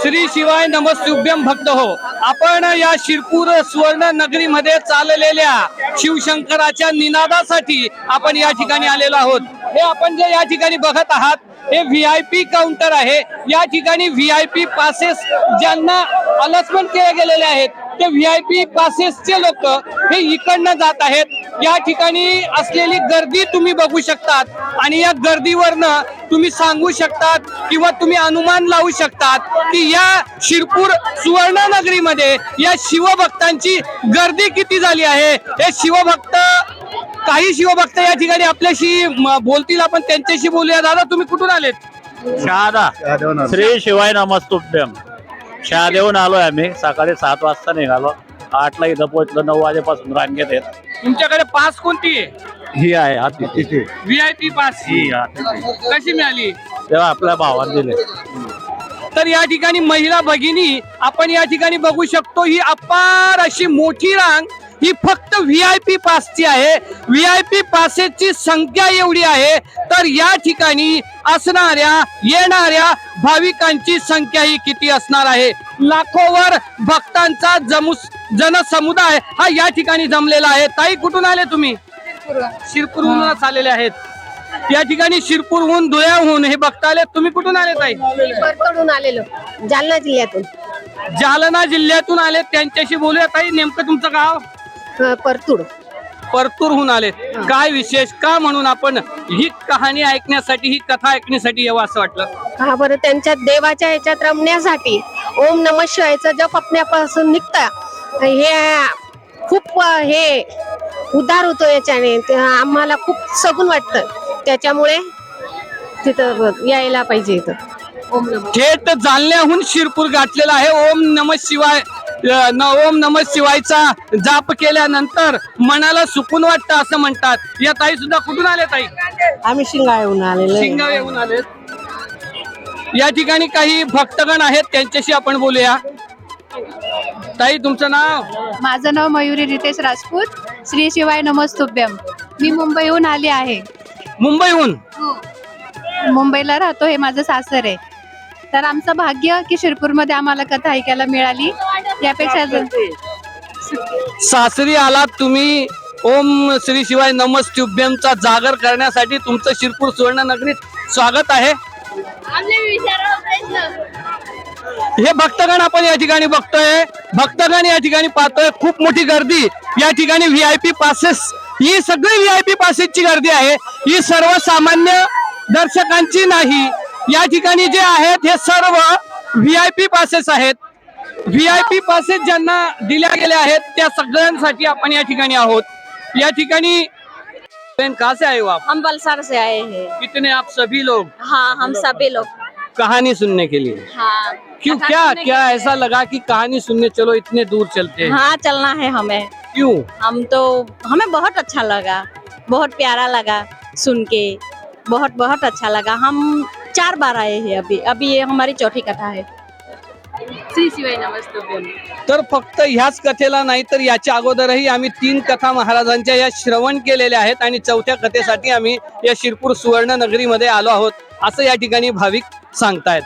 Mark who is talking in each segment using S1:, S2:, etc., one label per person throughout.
S1: श्री शिवाय नमस्तुभ्यम भक्त हो. आपण या शिरपूर सुवर्ण नगरी मध्ये चाललेल्या शिवशंकराच्या निनादासाठी आपण या ठिकाणी आलेलो आहोत. हे आपण जे या ठिकाणी बघत आहात हे VIP काउंटर आहे. या ठिकाणी VIP पासेस ज्यांना अलॉटमेंट केले गेलेले आहेत ते VIP पासेसचे लोक हे इकडनं जात आहेत. या ठिकाणी असलेली गर्दी तुम्ही बघू शकतात आणि या गर्दीवरनं तुम्ही सांगू शकतात किंवा तुम्ही अनुमान लावू शकतात की या शिरपूर सुवर्ण नगरीमध्ये या शिवभक्तांची गर्दी किती झाली आहे. हे शिवभक्त काही शिवभक्त या ठिकाणी आपल्याशी बोलतील. आपण त्यांच्याशी बोलूया. दादा तुम्ही कुठून आलेत?
S2: शहादा. श्री शिवाय नमस्तुभ्यम. शहादेवून आलोय आम्ही. सकाळी 7 वाजता निघालो. 8 ला इथं पोहोचलो. 9 वाजेपासून रांगेत आहेत.
S1: तुमच्याकडे पास कोणती आहे?
S2: ही आहे
S1: VIP पास. कशी मिळाली?
S2: तेव्हा आपल्या भावाने दिले.
S1: तर या ठिकाणी महिला भगिनी आपण या ठिकाणी बघू शकतो. ही अपार अशी मोठी रांग ही फक्त VIP पासची आहे. VIP पासेसची संख्या एवढी आहे तर या ठिकाणी असणाऱ्या येणाऱ्या भाविकांची संख्या ही किती असणार आहे. लाखोवर भक्तांचा जनसमुदाय हा या ठिकाणी जमलेला आहे. ताई कुठून आले तुम्ही? शिरपूरहूनच आलेले आहेत. या ठिकाणी शिरपूरहून धुळ्याहून हे बघता आले. तुम्ही कुठून आले ताई?
S3: परतून आलेलो, जालना जिल्ह्यातून.
S1: जालना जिल्ह्यातून आले. त्यांच्याशी बोलूया. ताई नेमकं तुमचं गाव? परतूरहून आले. काय विशेष का म्हणून आपण ही कहाणी ऐकण्यासाठी ही कथा ऐकण्यासाठी यावं असं वाटलं?
S3: हा बरं, त्यांच्या देवाच्या ह्याच्यात रमण्यासाठी ओम नमः शिवायचा जप आपल्यापासून निघता हे खूप हे उद्धार होतो याच्याने. आम्हाला खूप सगून वाटतं. त्याच्यामुळे तिथं यायला पाहिजे. इथं
S1: थेट जालन्याहून शिरपूर गाठलेला आहे. ओम नमः शिवाय ओम नमः शिवायचा जाप केल्यानंतर मनाला सुकून वाटतं असं म्हणतात. या ताई सुद्धा कुठून आले ताई?
S3: आम्ही शिंगाळ्याहून आलेलो.
S1: शिंगाळ्याहून आले. या ठिकाणी काही भक्तगण आहेत त्यांच्याशी आपण बोलूया. ताई तुमचं नाव?
S4: माझं नाव मयुरी रितेश राजपूत. श्री शिवाय नमस्तुभ्यम. मी मुंबईहून आली आहे.
S1: मुंबईहून?
S4: मुंबईला राहतो. हे माझं सासर आहे. तर आमचं भाग्य की शिरपूरमध्ये आम्हाला कथा ऐकायला मिळाली. यापेक्षा
S1: सासरी आलात तुम्ही. ओम श्री शिवाय नमस्तुभ्यमचा जागर करण्यासाठी तुमचं शिरपूर सुवर्ण नगरीत स्वागत आहे. हे भक्तगण आपण या ठिकाणी बघतोय. भक्तगण या ठिकाणी पाहतोय. खूप मोठी गर्दी या ठिकाणी. VIP पासेस ही सगळी VIP पासेसची गर्दी आहे. ही सर्वसामान्य दर्शकांची नाही. या ठिकाणी जे आहेत हे सर्व VIP पासेस आहेत. VIP पासेस ज्यांना दिल्या गेल्या आहेत त्या सगळ्यांसाठी आपण या ठिकाणी आहोत. या ठिकाणी कहाँ से आए हो आप?
S5: हम वलसाड़ से आए हैं।
S1: कितने आप सभी लोग?
S5: हाँ, हम सभी लोग।
S1: कहानी सुनने के लिए?
S5: हाँ।
S1: क्यों? क्या ऐसा लगा कि कहानी सुनने चलो इतने दूर चलते हैं?
S5: हाँ, चलना है हमें।
S1: क्यों?
S5: हमें बहुत अच्छा लगा, बहुत प्यारा लगा सुन के, बहुत अच्छा लगा। हम 4 बार आए हैं अभी ये हमारी चौथी कथा है। श्री शिवाय नमस्तुभ्यम।
S1: तर फक्त ह्याच कथेला नाही तर याच्या अगोदरही आम्ही 3 कथा महाराजांच्या या श्रवण केलेल्या आहेत आणि 4थ्या कथेसाठी आम्ही या शिरपूर सुवर्ण नगरीमध्ये आलो आहोत असं या ठिकाणी भाविक सांगतायत.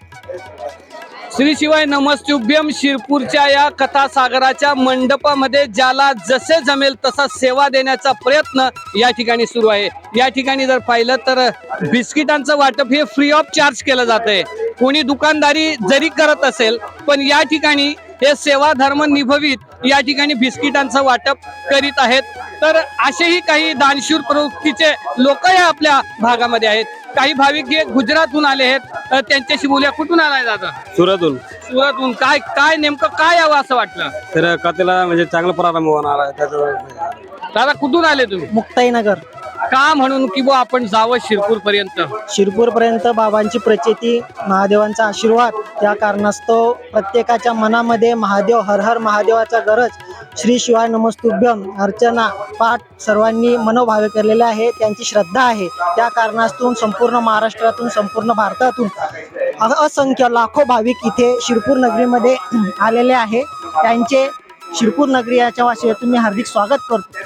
S1: श्री शिवाय नमस्तुभ्यम शिरपूरच्या या कथा सागराच्या मंडपामध्ये ज्याला जसे जमेल तसा सेवा देण्याचा प्रयत्न या ठिकाणी सुरू आहे. या ठिकाणी जर पाहिलं तर बिस्किटांचं वाटप हे फ्री ऑफ चार्ज केलं जातंय. कोणी दुकानदारी जरी करत असेल पण या ठिकाणी हे सेवा धर्म निभवित या ठिकाणी बिस्किटांचं वाटप करीत आहेत. तर असेही काही दानशूर प्रवृत्तीचे लोक या आपल्या भागामध्ये आहेत. काही भाविक हे गुजरातहून आले आहेत. त्यांच्याशी बोलूया. कुठून आलाय दादा?
S2: सुरतहून.
S1: सुरतहून. काय नेमकं काय यावं असं वाटलं?
S2: तर कथेला म्हणजे चांगला प्रारंभ होणार आहे.
S1: दादा कुठून आले तुम्ही?
S6: मुक्ताईनगर.
S1: का म्हणून की बुवा आपण जावं शिरपूर पर्यंत?
S6: शिरपूर पर्यंत बाबांची प्रचिती, महादेवांचा आशीर्वाद या कारणास्तव प्रत्येकाच्या मनामध्ये महादेव हर हर महादेवाचा गरज, श्री शिवाय नमस्तुभ्यम अर्चना पाठ सर्वांनी मनोभावे केलेले आहे. त्यांची श्रद्धा आहे. त्या कारणास्तून संपूर्ण महाराष्ट्रातून संपूर्ण भारतातून असंख्य लाखो भाविक इथे शिरपूर नगरीमध्ये आलेले आहे. त्यांचे शिरपूर नगरी याच्या वाशियातून मी हार्दिक स्वागत करतो.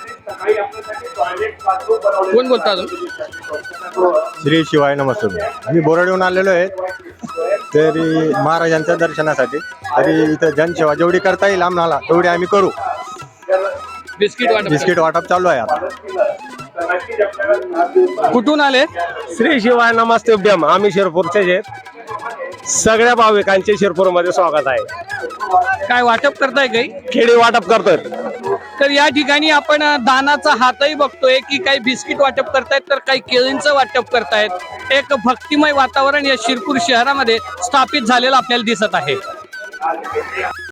S1: कोण बोलता?
S7: श्री शिवाय नमस्तुभ्यम. आम्ही बोराडीहून आलेलो आहे. तरी महाराजांच्या दर्शनासाठी तरी इथं जनसेवा जेवढी करता येईल आम्हाला तेवढी आम्ही करू. बिस्किट वाटप चालू आहे आता.
S1: कुठून आले?
S8: श्री शिवाय नमस्तुभ्यम. आम्ही शिरपूरचे आहेत. सगळ्या भाविकांचे शिरपूरमध्ये स्वागत आहे.
S1: काय वाटप करताय काही?
S8: खेळी वाटप करतोय.
S1: तर या ठिकाणी आपण दानाचा हातही बघतोय की काही बिस्किट वाटप करतायत तर काही केळींचं वाटप करतायत. एक भक्तिमय वातावरण या शिरपूर शहरामध्ये स्थापित झालेलं आपल्याला दिसत आहे.